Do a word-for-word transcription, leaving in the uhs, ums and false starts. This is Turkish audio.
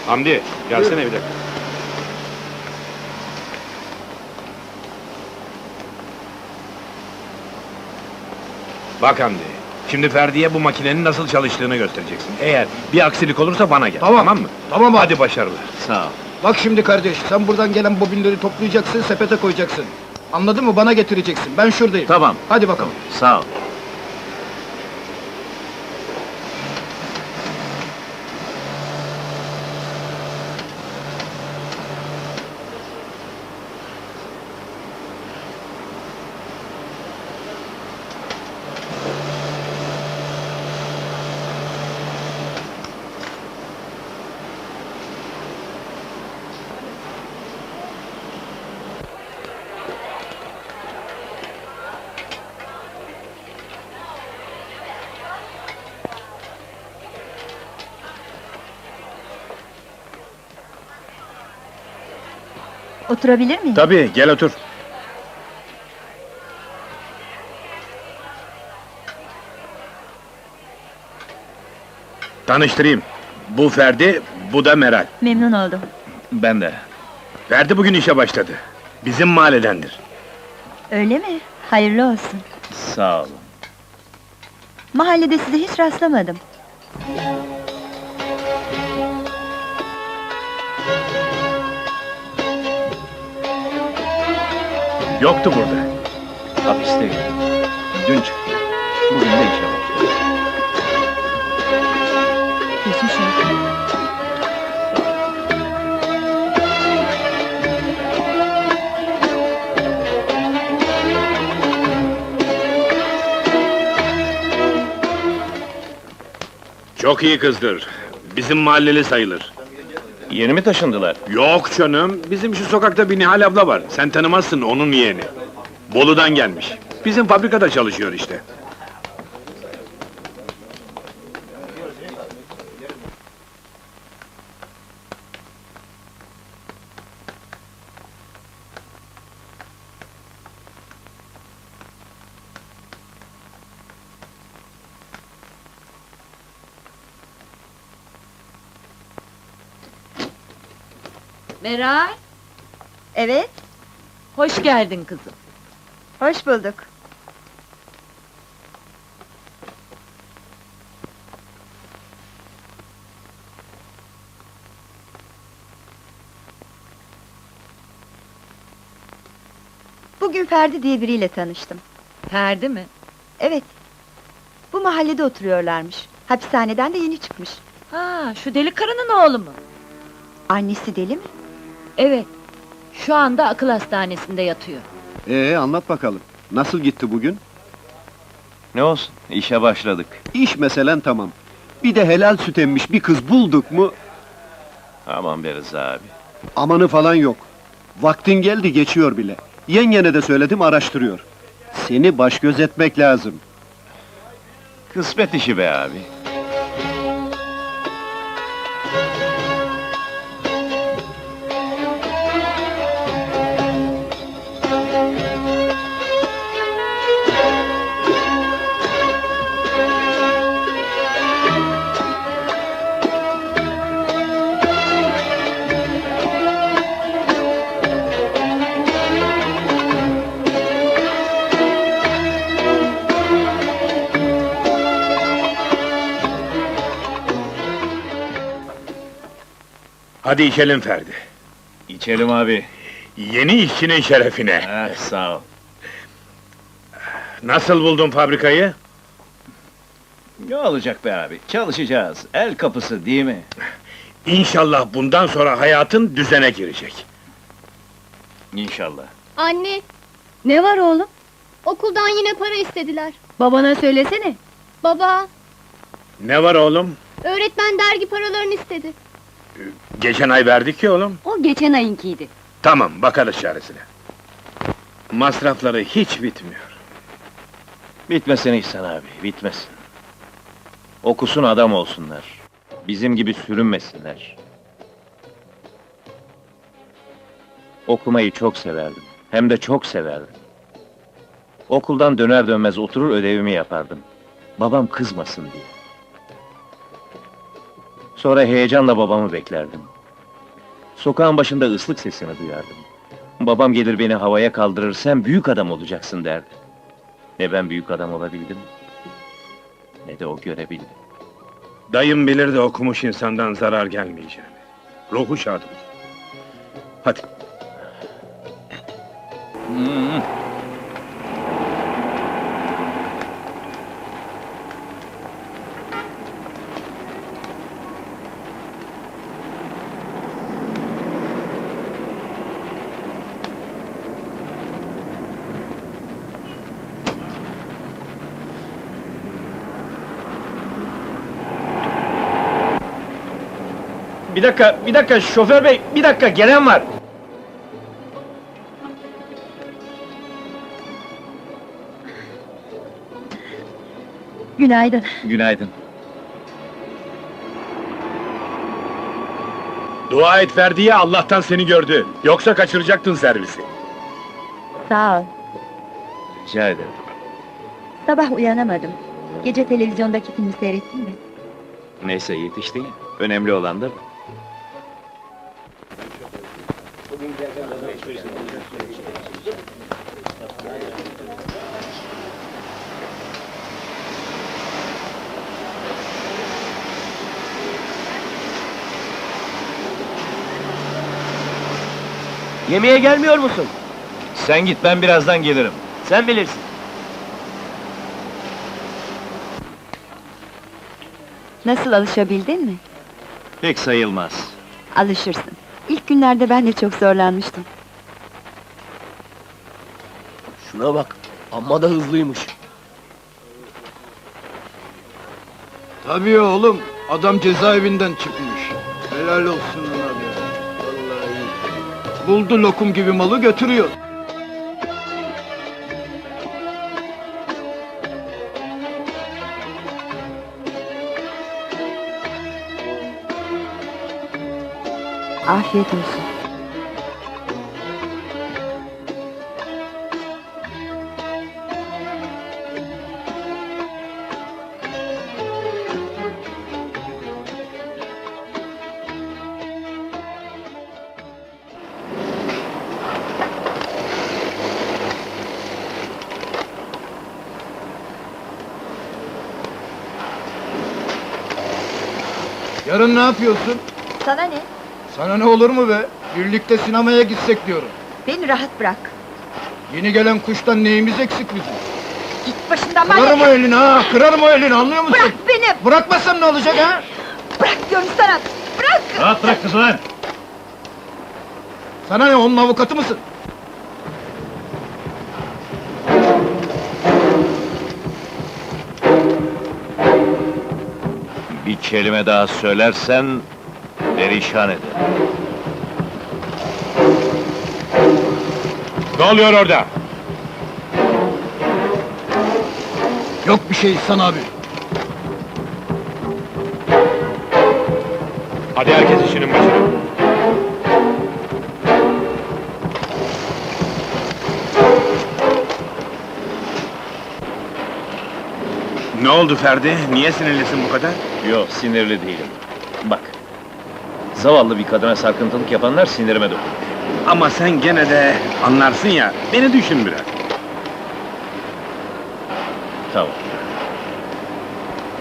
Hamdi, gelsene bir dakika. Bak Hamdi, şimdi Ferdi'ye bu makinenin nasıl çalıştığını göstereceksin. Eğer bir aksilik olursa bana gel, Tamam. tamam mı? Tamam abi. Hadi başarılar. Sağ ol. Bak şimdi kardeş, sen buradan gelen bobinleri toplayacaksın, sepete koyacaksın. Anladın mı? Bana getireceksin. Ben şuradayım. Tamam. Hadi bakalım. Sağ ol. Oturabilir miyim? Tabii, gel otur. Tanıştırayım. Bu Ferdi, bu da Meral. Memnun oldum. Ben de. Ferdi bugün işe başladı. Bizim mahalledendir. Öyle mi? Hayırlı olsun. Sağ olun. Mahallede size hiç rastlamadım. Yoktu burada. Hapisteyim. Dün çıktı. Bugün de işe başladı. Geçmiş olsun. Çok iyi kızdır. Bizim mahalleli sayılır. Yeni mi taşındılar? Yok canım, bizim şu sokakta bir Nihal abla var. Sen tanımazsın, onun yeğeni. Bolu'dan gelmiş. Bizim fabrikada çalışıyor işte. Meral, Evet, hoş geldin kızım. hoş bulduk. Bugün Ferdi diye biriyle tanıştım. Ferdi mi? Evet, bu mahallede oturuyorlarmış. Hapishaneden de yeni çıkmış. Ha, şu deli karının oğlu mu? Annesi deli mi? Evet, şu anda akıl hastanesinde yatıyor. Ee, anlat bakalım. Nasıl gitti bugün? Ne olsun, işe başladık. İş meselen tamam. Bir de helal süt emmiş bir kız bulduk mu, Aman be Rıza abi. amanı falan yok. Vaktin geldi, geçiyor bile. Yengene de söyledim, araştırıyor. Seni baş göz etmek lazım. Kısmet işi be abi. Hadi içelim Ferdi. İçelim abi. Yeni işçinin şerefine. Eh, sağ ol. Nasıl buldun fabrikayı? Ne olacak be abi? Çalışacağız. El kapısı değil mi? İnşallah bundan sonra hayatın düzene girecek. İnşallah. Anne, Ne var oğlum? okuldan yine para istediler. Babana söylesene. Baba, Ne var oğlum? öğretmen dergi paralarını istedi. Geçen ay verdik ya oğlum. O geçen ayınkiydi. Tamam, bakarız çaresine. Masrafları hiç bitmiyor. Bitmesin İhsan abi, bitmesin. Okusun, adam olsunlar. Bizim gibi sürünmesinler. Okumayı çok severdim. Hem de çok severdim. Okuldan döner dönmez oturur ödevimi yapardım. Babam kızmasın diye. Sonra heyecanla babamı beklerdim. Sokağın başında ıslık sesini duyardım. Babam gelir beni havaya kaldırır, sen büyük adam olacaksın derdi. Ne ben büyük adam olabildim, ne de o görebildi. Dayım bilir de okumuş insandan zarar gelmeyeceğini. Ruhu şad olsun. Hadi. Bir dakika, bir dakika şoför bey, bir dakika gelen var. Günaydın. Günaydın. Dua et Ferdi'ye, Allah'tan seni gördü. Yoksa kaçıracaktın servisi. Sağ ol. Rica ederim. Sabah uyanamadım. Gece televizyondaki filmi seyrettin mi? Neyse yetişti ya, önemli olan da bu. Yemeğe gelmiyor musun? Sen git, ben birazdan gelirim. Sen bilirsin. Nasıl, alışabildin mi? Pek sayılmaz. Alışırsın. İlk günlerde ben de çok zorlanmıştım. Şuna bak, amma da hızlıymış. Tabii oğlum, adam cezaevinden çıkmış. Helal olsun ona be. Vallahi. Buldu lokum gibi malı götürüyor. Afiyet olsun. Yarın ne yapıyorsun? Sana ne? Sana ne olur mu be? Birlikte sinemaya gitsek diyorum. Beni rahat bırak. Yeni gelen kuştan neyimiz eksik bizim? Git başından Kırarım o manyak! elini ha, kırarım o elini, anlıyor musun? Bırak beni! Bırakmasam ne olacak ha? Bırak diyorum sana! Bırak! Rahat bırak kızı lan! Sana ne, onun avukatı mısın? Bir kelime daha söylersen, perişan ederim. Ne oluyor orada? Yok bir şey İhsan abi. Hadi herkes işinin başına. Ne oldu Ferdi? Niye sinirlisin bu kadar? Yok, sinirli değilim. Bak, zavallı bir kadına sarkıntılık yapanlar sinirime dokunuyor. Ama sen gene de anlarsın ya, beni düşün biraz. Tamam.